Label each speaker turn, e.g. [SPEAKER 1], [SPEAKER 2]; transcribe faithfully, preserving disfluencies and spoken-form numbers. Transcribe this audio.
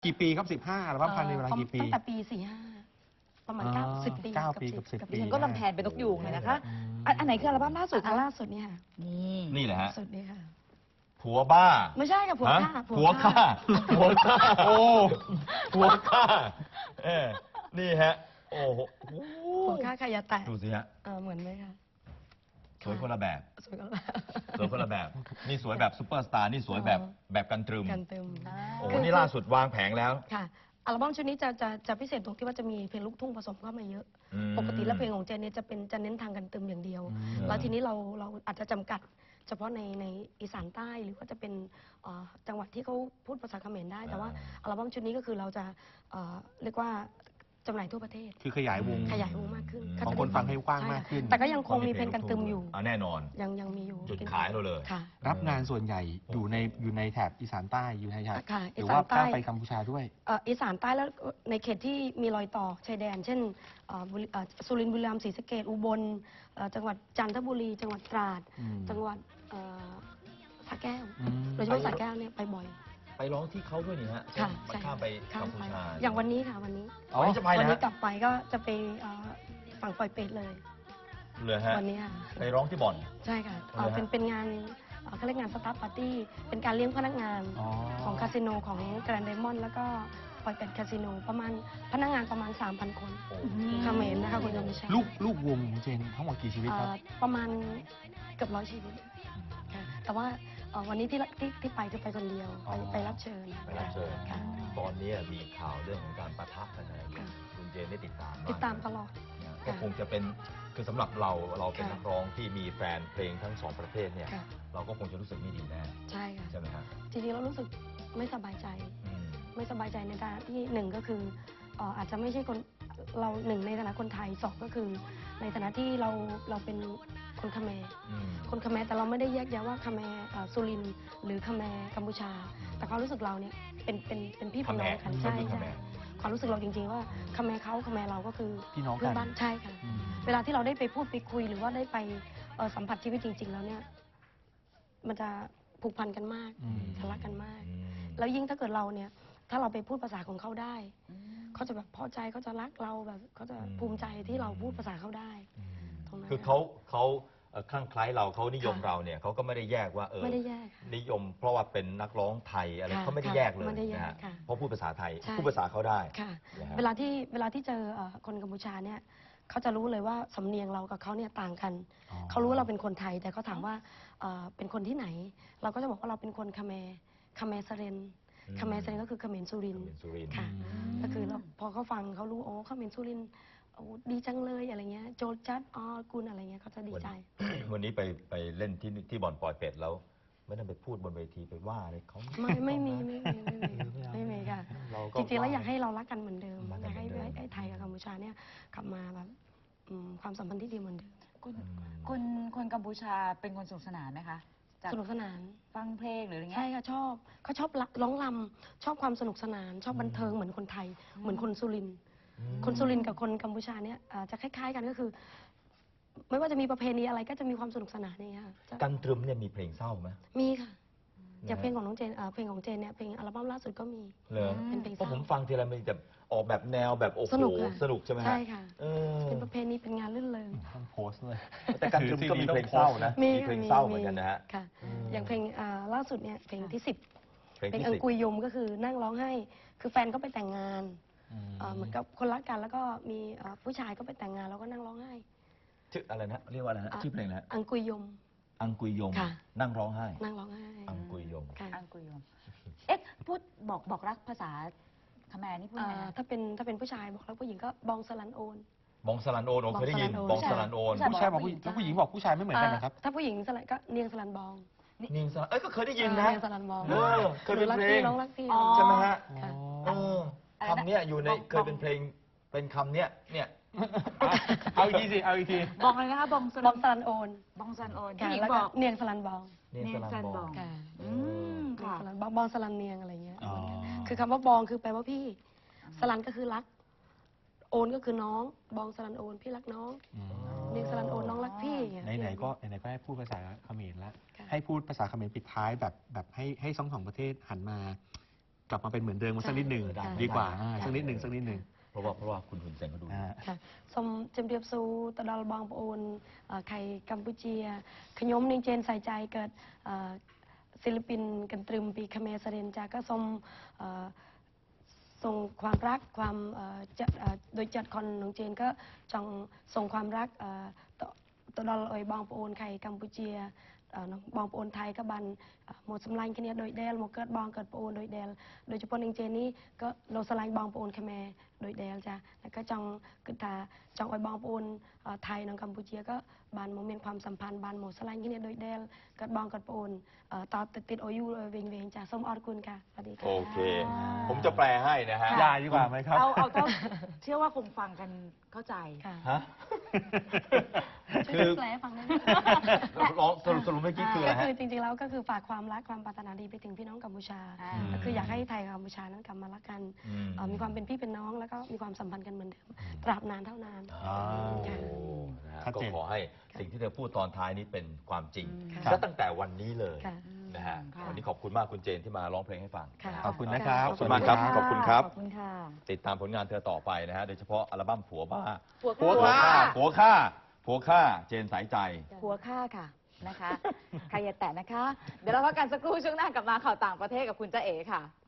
[SPEAKER 1] กี่ปีครับสิบห้าอัลบั้มพันในเวลากี่ปี
[SPEAKER 2] ตั้งแต่ปีสี่ห้าประมาณเก้าสิบปี
[SPEAKER 1] เก้าปีกับสิบปี
[SPEAKER 3] ฉันก็ลำแพนเป็นนกยูงเลยนะคะอันอันไหนคืออัลบั้มล่าสุด
[SPEAKER 2] อัน
[SPEAKER 3] คะ
[SPEAKER 2] ล่าสุดนี่ค่ะ
[SPEAKER 3] นี่
[SPEAKER 4] นี่แหละฮะ
[SPEAKER 2] สุดนี่ค่ะ
[SPEAKER 4] ผัวบ้า
[SPEAKER 2] ไม่ใช่ค่ะผัว
[SPEAKER 4] ฮะ
[SPEAKER 2] ฆ่า
[SPEAKER 4] ผัวฆ่าผัวฆ่าโอ้ผัวฆ่าเออนี่ฮะโอ้โห
[SPEAKER 2] ผัวฆ่าขยะแตก
[SPEAKER 4] ดูสิฮะ
[SPEAKER 2] เออเหมือนไหมคะ
[SPEAKER 4] สวยคนละแบบ
[SPEAKER 2] สวยก็แล้ว
[SPEAKER 4] สวยคนละแบบนี่สวยแบบซุปเปอร์สตาร์นี่สวยแบบ
[SPEAKER 2] อ๋อ
[SPEAKER 4] แบบกันตรึม
[SPEAKER 2] กันเติม
[SPEAKER 4] โอ้โหนี่ล่าสุดวางแผงแล้ว
[SPEAKER 2] ค่ะอัลบั้มชุดนี้จะจะจะพิเศษตรงที่ว่าจะมีเพลงลูกทุ่งผสมเข้ามาเยอะ
[SPEAKER 4] อืม
[SPEAKER 2] ปกติแล้วเพลงของเจนเนี่ยจะเป็นจะเน้นทางกันเติมอย่างเดียว
[SPEAKER 1] อืม
[SPEAKER 2] แล้วทีนี้เราเราอาจจะจำกัด เฉพาะในในอีสานใต้หรือว่าจะเป็นเอ่อจังหวัดที่เขาพูดภาษาเขมรได้ แต่ว่าอัลบั้มชุดนี้ก็คือเราจะเอ่อเรียกว่าจำหน่ายทั่วประเทศ
[SPEAKER 1] คือขยายวง
[SPEAKER 2] ขยายวงมากขึ้น
[SPEAKER 1] บางคนฟังให้กว้างมากขึ้น
[SPEAKER 2] ใช่ค่ะแต่ก็ยังคงมีเพลงกันตึมอยู่
[SPEAKER 4] อ่าแน่นอน
[SPEAKER 2] ยังยังมีอยู่
[SPEAKER 4] จุดขายเราเลย
[SPEAKER 2] ค่ะ
[SPEAKER 1] รับงานส่วนใหญ่อยู่ในอยู่ในแถบอีสานใต้อยู่ในแถบ
[SPEAKER 2] ค่ะ
[SPEAKER 1] หรือ
[SPEAKER 2] อีสาน
[SPEAKER 1] ว่า
[SPEAKER 2] ใต้
[SPEAKER 1] ข้ามไปกัมพูชาด้วย
[SPEAKER 2] เอ่ออีสานใต้แล้วในเขตที่มีรอยต่อชายแดน เช่นเอ่อบุรีเอ่อสุรินทร์บุรีรัมย์ศรีสะเกษอุบลเอ่อจังหวัดจันทบุรี จังหวัดตราด
[SPEAKER 1] อืม
[SPEAKER 2] จังหวัดเอ่อสระแก้ว
[SPEAKER 1] อืม
[SPEAKER 2] โดยเฉพาะสระแก้วเนี่ยไปบ่อย
[SPEAKER 4] ไปร้องที่เขาด้วยนี่ฮะ
[SPEAKER 2] ค่ะ
[SPEAKER 4] มันข้ามไป
[SPEAKER 2] ข้าม
[SPEAKER 4] กัมพู
[SPEAKER 2] ไป
[SPEAKER 4] ชา
[SPEAKER 2] อย่างวันนี้ค่ะวันนี้
[SPEAKER 4] อ๋อวันนี้จะไป
[SPEAKER 2] วัน
[SPEAKER 4] นะ
[SPEAKER 2] นี้
[SPEAKER 4] ฮะ
[SPEAKER 2] กลับไปก็จะไปเอ่อฝั่งปอยเป็ดเลย
[SPEAKER 4] เลยฮะ
[SPEAKER 2] วันนี้ค่ะ
[SPEAKER 4] ไปร้องที่บ่อน
[SPEAKER 2] ใช่ค่ะเอ่อ
[SPEAKER 4] เลยฮะ
[SPEAKER 2] เป็นเป็นงานเอ่อเขาเรียกงานสตาฟปาร์ตี้เป็นการเลี้ยงพนักงาน
[SPEAKER 1] อ๋อ
[SPEAKER 2] ของคาสิโนของแกรนด์ไดมอนด์แล้วก็ปอยเป็ดคาสิโนประมาณพนักงานประมาณ สามพัน คน
[SPEAKER 4] โอ้
[SPEAKER 2] เขมรนะคะคุณยมชัย
[SPEAKER 1] ลูกลูกวงของเจนทั้งหมดกี่ชีวิตครับ
[SPEAKER 2] เอ่อประมาณเกือบร้อยชีวิตค่ะแต่ว่าเอ่อวันนี้ที่ที่ที่ไปคือไปคนเดียว
[SPEAKER 1] อ๋
[SPEAKER 2] ไป
[SPEAKER 1] อ
[SPEAKER 2] ไปรับเชิญ
[SPEAKER 4] ไปรับเชิญ
[SPEAKER 2] ค่ะ
[SPEAKER 4] ตอนนี้มีข่าวเรื่องของการปะทะกันอะไรอยู่
[SPEAKER 2] ค่ะ
[SPEAKER 4] คุณเจนได้ติดตามบ้ง
[SPEAKER 2] ติดตามตลอด
[SPEAKER 4] นะก็
[SPEAKER 2] ค่ะ
[SPEAKER 4] คงจะเป็นคือสำหรับเราเราเป็น
[SPEAKER 2] ค่ะ
[SPEAKER 4] นักร้องที่มีแฟนเพลงทั้งสองประเทศเนี่ย
[SPEAKER 2] ค่ะ
[SPEAKER 4] เราก็คงจะรู้สึกไม่ดีแน่
[SPEAKER 2] ใช่ค่ะ
[SPEAKER 4] ใช่ไหมฮะ
[SPEAKER 2] จริงๆเรารู้สึกไม่สบายใจ
[SPEAKER 4] อืม
[SPEAKER 2] ไม่สบายใจในฐานะที่หนึ่งก็คือเอ่ออาจจะไม่ใช่คนเราหนึ่งในฐานะคนไทยสองก็คือ ในฐานะที่เราเราเป็นคนเขมร
[SPEAKER 4] อืม
[SPEAKER 2] คนเขมรแต่เราไม่ได้แยกแยะว่าเขมรเอ่อสุรินทร์หรือเขมรกัมพูชา แต่ความรู้สึกเราเนี่ยเป็นเป็นเป็นพี่เป็นน้องกัน
[SPEAKER 4] เขมร
[SPEAKER 2] ใช่
[SPEAKER 4] เป็นเขม
[SPEAKER 2] ใช่
[SPEAKER 4] ร
[SPEAKER 2] ความรู้สึกเราจริงๆว่าเขมรเขาเขมรเราก็คือ
[SPEAKER 1] พี่น้องกัน
[SPEAKER 2] เพื่อนบ้านใช่ค่ะ
[SPEAKER 1] อืม
[SPEAKER 2] เวลาที่เราได้ไปพูดไปคุยหรือว่าได้ไปเอ่อสัมผัสชีวิตจริง ๆ แล้วเนี่ย มันจะผูกพันกันมาก
[SPEAKER 1] อืม
[SPEAKER 2] จะรักกันมาก
[SPEAKER 4] อืม
[SPEAKER 2] แล้วยิ่งถ้าเกิดเราเนี่ย ถ้าเราไปพูดภาษาของเขาได้ เขาจะแบบพอใจเขาจะรักเราแบบเขาจะภูมิใจที่เราพูดภาษาเขาได้
[SPEAKER 4] อืม
[SPEAKER 2] ตรงนั้น
[SPEAKER 4] คือเขาเขาเอ่อคลั่งไคล้เราเขานิยม
[SPEAKER 2] ค่ะ
[SPEAKER 4] เราเนี่ยเขาก็ไม่ได้แยกว่าเออ
[SPEAKER 2] ไม่ได้แยกค่ะ
[SPEAKER 4] นิยมเพราะว่าเป็นนักร้องไทยอะไร
[SPEAKER 2] ค่ะ
[SPEAKER 4] เขาไม่ได้
[SPEAKER 2] ค่ะ
[SPEAKER 4] แยกเลย
[SPEAKER 2] ไม่ได้แยก
[SPEAKER 4] นะฮะ
[SPEAKER 2] ค่ะ
[SPEAKER 4] เพราะพูดภาษาไทย
[SPEAKER 2] ใช่
[SPEAKER 4] พูดภาษาเขาได้
[SPEAKER 2] ค่ะ
[SPEAKER 4] นะฮะ
[SPEAKER 2] เวลาที่เวลาที่เจอเอ่อคนกัมพูชาเนี่ยเขาจะรู้เลยว่าสำเนียงเรากับเขาเนี่ยต่างกัน
[SPEAKER 1] อ๋อ
[SPEAKER 2] เขารู้ว่าเราเป็นคนไทย แต่เขาถามว่าเอ่อเป็นคนที่ไหน เราก็จะบอกว่าเราเป็นคนคาเมคาเมสเรน
[SPEAKER 4] อืม
[SPEAKER 2] คาเมสเรนก็คือเขมรสุรินทร์
[SPEAKER 4] เป็นสุรินทร์
[SPEAKER 2] ค่ะ ก็คือเราพอเขาฟังเขารู้โอ้เขมรสุรินทร์โอ้ดีจังเลยอะไรเงี้ยโจจัดอ๋อกุลอะไรเงี้ยเขาจะดีใจ
[SPEAKER 4] วันนี้ไปไปเล่นที่ที่บ่อนปอยเป็ดแล้ว ไม่ต้องไปพูดบนเวทีไปว่าอะไรเขา
[SPEAKER 2] ไม่ไม่มีไม่มีไม่มีไม่มีค่ะ
[SPEAKER 4] เราก็
[SPEAKER 2] จริงๆแล้วอยากให้เรารักกันเหมือนเดิม
[SPEAKER 4] รัก
[SPEAKER 2] อ
[SPEAKER 4] กั
[SPEAKER 2] ยาน กให้
[SPEAKER 4] เหมือนเดิม
[SPEAKER 2] ให้ไทยกับกัมพูชาเนี่ยกลับมาแบบอืมความสัมพันธ์ที่ดีเหมือนเดิม
[SPEAKER 3] คุณ
[SPEAKER 4] อืม
[SPEAKER 3] คุณคนกัมพูชาเป็นคนสนุกสนานไหมคะจาก
[SPEAKER 2] สนุกสนาน
[SPEAKER 3] ฟังเพลงหรืออะไรเงี้
[SPEAKER 2] ใช่
[SPEAKER 3] ย
[SPEAKER 2] ค่ะชอบเขาชอบร้องรำชอบความสนุกสนาน ชอบบันเทิงเหมือนคนไทย เหมือนคนสุรินทร์คนสุรินทร์กับคนกัมพูชาเนี่ยอ่าจะคล้าย ๆ กันก็คือ ไม่ว่าจะมีประเพณีอะไรก็จะมีความสนุกสนานนี่ค่ะจะ
[SPEAKER 4] กันตรึมเนี่ยมีเพลงเศร้าไหม
[SPEAKER 2] มีค่ะอย่างเพลงของน้องเจนอ่าเพลงของเจนเนี่ยเพลงอัลบั้มล่าสุดก็มี
[SPEAKER 4] เหรอ
[SPEAKER 2] เป็นเพลง
[SPEAKER 4] เพราะ
[SPEAKER 2] เศ
[SPEAKER 4] ผ
[SPEAKER 2] ร้า
[SPEAKER 4] มฟังทีไรมันจะออกแบบแนวแบบโอ้โห
[SPEAKER 2] สนุกค่ะ
[SPEAKER 4] สนุกใช่ไหมฮะ
[SPEAKER 2] ใช่ค่ะ
[SPEAKER 4] เออ
[SPEAKER 2] เป็นประเพณีเป็นงานลื่นเริง
[SPEAKER 1] ต้องโพสต์เลย
[SPEAKER 4] แต่กันตรึมก็มีเพลงเศร้านะ
[SPEAKER 2] มี
[SPEAKER 4] มีเพลงเศร้าเหมือนกันนะฮะ
[SPEAKER 2] ค่ะ
[SPEAKER 4] อืม
[SPEAKER 2] อย่างเพลงอ่าล่าสุดเนี่ยเพลงที่สิบ
[SPEAKER 4] เพลง
[SPEAKER 2] เพลง
[SPEAKER 4] ที่
[SPEAKER 2] อัง
[SPEAKER 4] สิบ
[SPEAKER 2] กุยยมก็คือนั่งร้องไห้ คือแฟนก็ไปแต่งงานเอ่อเหมือนกับคนรักกันแล้วก็มีเอ่อผู้ชายก็ไปแต่งงานแล้วก็นั่งร้องไห้
[SPEAKER 4] ชื่ออะไรนะเรียกว่าอะไรนะ
[SPEAKER 2] อ่ะ
[SPEAKER 4] ชื่อเพลงอะไรฮะ
[SPEAKER 2] อังกุยยม
[SPEAKER 4] อังกุยยม
[SPEAKER 2] ค่ะ
[SPEAKER 4] นั่งร้องไห้
[SPEAKER 2] นั่งร้องไห้
[SPEAKER 4] อังกุยยม
[SPEAKER 2] ค่ะ
[SPEAKER 3] อังกุยยมเอ๊ะพูดบอกบอกรักภาษาเขมรนี่พูด
[SPEAKER 2] เอ่
[SPEAKER 3] ไง
[SPEAKER 2] อ
[SPEAKER 3] นะ
[SPEAKER 2] ถ้าเป็นถ้าเป็นผู้ชายบอกแล้วผู้หญิงก็บองสลันโอน
[SPEAKER 4] บองสลันโอนผมเคยได้ยิน
[SPEAKER 2] บบ อ
[SPEAKER 4] อง ง
[SPEAKER 2] ส
[SPEAKER 4] ส
[SPEAKER 2] ลั
[SPEAKER 4] ลั
[SPEAKER 2] น
[SPEAKER 4] น
[SPEAKER 2] โอ
[SPEAKER 4] โอน น
[SPEAKER 1] ผู้ชายบอกผู้หญิงแล้วผู้หญิงบอกผู้ชายไม่เหมือนกันนะครับ
[SPEAKER 2] อ่าถ้าผู้หญิงสลันก็เนียงสลันบอง
[SPEAKER 4] นิงสลันเอ้ยก็เคยได้ยินนะ
[SPEAKER 2] เนียงสลันบอง
[SPEAKER 4] เออเคยเป็น
[SPEAKER 2] รัก
[SPEAKER 4] เพล
[SPEAKER 2] พี่
[SPEAKER 4] ง
[SPEAKER 2] น้องรักพี่
[SPEAKER 3] อ๋อ
[SPEAKER 4] ใช่ไหมฮะ
[SPEAKER 2] ค่ะ
[SPEAKER 4] เออคำเนี้ยอยู่ในเคยเป็นเพลงเป็นคำเนี้ยเนี่ย
[SPEAKER 1] เอาอีกทีสิ เอาอีกที
[SPEAKER 3] บอกเลยนะคะบองส
[SPEAKER 2] บ
[SPEAKER 3] ลั
[SPEAKER 2] องสลันโอน
[SPEAKER 3] บองซันโอน
[SPEAKER 2] ค่ะ
[SPEAKER 3] ผู้หญิง
[SPEAKER 2] แล้ว
[SPEAKER 3] บ
[SPEAKER 2] ก็
[SPEAKER 3] อก
[SPEAKER 2] เนียงสลันบอง
[SPEAKER 4] เนียงสลันบอง
[SPEAKER 2] ค่ะ
[SPEAKER 3] อืม
[SPEAKER 2] เนียง
[SPEAKER 3] ค่ะ
[SPEAKER 2] สลันบองบองสลันเนียงอะไรเงี้ย
[SPEAKER 1] อ๋อ
[SPEAKER 2] คือคำว่าบองคือแปลว่าพี่ สลันก็คือรัก โอนก็คือน้อง บองสลันโอนพี่รักน้อง
[SPEAKER 1] อืม
[SPEAKER 2] เนียงสลันโอนน้องรักพี่อย่างเงี้ย
[SPEAKER 1] ไหนๆก็ไหนๆก็ให้พูดภาษาเขมรแล้ว
[SPEAKER 2] ค่ะ
[SPEAKER 1] ให้พูดภาษาเขมรปิดท้ายแบบแบบให้ให้สองสองประเทศหันมากลับมาเป็นเหมือนเดิมกันสักนิดหนึ่ง
[SPEAKER 2] ใช่
[SPEAKER 1] ดีกว่า
[SPEAKER 2] ใช่
[SPEAKER 1] อ่าสักนิดหนึ่งสักนิดหนึ่ง
[SPEAKER 4] เพราะว่าเพราะว่าคุณหุ่นเซนเขาดู
[SPEAKER 1] อ่า
[SPEAKER 2] ค่ะសូមជម្រាបសួរទៅដល់បងប្អូនអឺខេត្តកម្ពុជាខ្ញុំនាងចេនសៃចៃកើតអឺศิลปินกันตรึมពីខ្មែរសរិនចាក៏សូមអឺส่งความรักความเอ่อจะเอ่อโดยจัดคอนน้องเจนก็จองส่งความรักเอ่อต่อต่อดอลเอยบองปอนไข่กัมพูชีเอ่อน้องบองปอนไทยก็บันเอ่อหมดสำลังแค่นี้โดยเดลหมดเกิดบองเกิดปอนโดยเดลโดยเฉพาะน้องเจนนี่ก็เราสลายบองปอนขแมโดยเดลจ้ะแล้วก็จองคือตาจองเอยบองปอนเอ่อไทยน้องกัมพูชีก็บันโมเมนต์ความสัมพันธ์บันหมดสลายแค่นี้โดยเดลเกิดบองเกิดปอนเอ่อต่อติดติดโอยูเวงเวงจ้ะส้มออดคุณค่ะสวัสดีค่ะ
[SPEAKER 4] โอเค ผมจะแปลให้นะฮะ
[SPEAKER 1] ยาดีกว่าไหมครับ
[SPEAKER 3] เอาเอาเท่าเชื่อว่าคงฟังกันเข้าใจ
[SPEAKER 2] ค่ะ
[SPEAKER 4] ฮะ
[SPEAKER 2] ช่วยแปลให้ฟังได้ไหม
[SPEAKER 4] ร้องสรุปสรุปเมื่อกี้คืออะไร
[SPEAKER 2] ก็
[SPEAKER 4] ฮะ
[SPEAKER 2] คือจริงๆแล้วก็คือฝากความรักความปรารถนาดีไปถึงพี่น้องกัมพูชา
[SPEAKER 3] อ่า
[SPEAKER 2] ก็คืออยากให้ไทยกับกัมพูชานั้นกลับมารักกัน
[SPEAKER 4] อืม
[SPEAKER 2] เอ่อมีความเป็นพี่เป็นน้องแล้วก็มีความสัมพันธ์กันเหมือนเดิมตราบนานเท่านาน
[SPEAKER 1] อ๋อ
[SPEAKER 2] ค่ะ
[SPEAKER 4] นะฮะ
[SPEAKER 1] ชัด
[SPEAKER 4] ก็
[SPEAKER 1] เจน
[SPEAKER 4] ขอให้สิ่งที่เธอพูดตอนท้ายนี้เป็นความจริง
[SPEAKER 2] ค่ะ
[SPEAKER 4] และตั้งแต่วันนี้เลย
[SPEAKER 2] ค่ะ
[SPEAKER 4] นะฮะ
[SPEAKER 3] ค่ะ
[SPEAKER 4] วันนี้ขอบคุณมากคุณเจนที่มาร้องเพลงให้ฟัง
[SPEAKER 2] ค่ะ
[SPEAKER 4] นะฮะ
[SPEAKER 1] ขอบคุณนะครับ
[SPEAKER 4] ขอบคุณมากครับ ขอบคุณครับ
[SPEAKER 3] ขอบคุณค่ะ
[SPEAKER 4] ติดตามผลงานเธอต่อไปนะฮะ โดยเฉพาะอัลบั้มผัวบ้า
[SPEAKER 3] ผัว
[SPEAKER 4] ผัว
[SPEAKER 3] ฆ่า
[SPEAKER 4] ฆ่าผัวฆ่าผัวฆ่า เจนสายใจ
[SPEAKER 3] ผัวฆ่าค่ะนะคะ ใครอย่าแตะนะคะ เดี๋ยวเราพักกันสักครู่ช่วงหน้ากลับมาข่าวต่างประเทศกับคุณจ๊ะเอ๋ค่ะ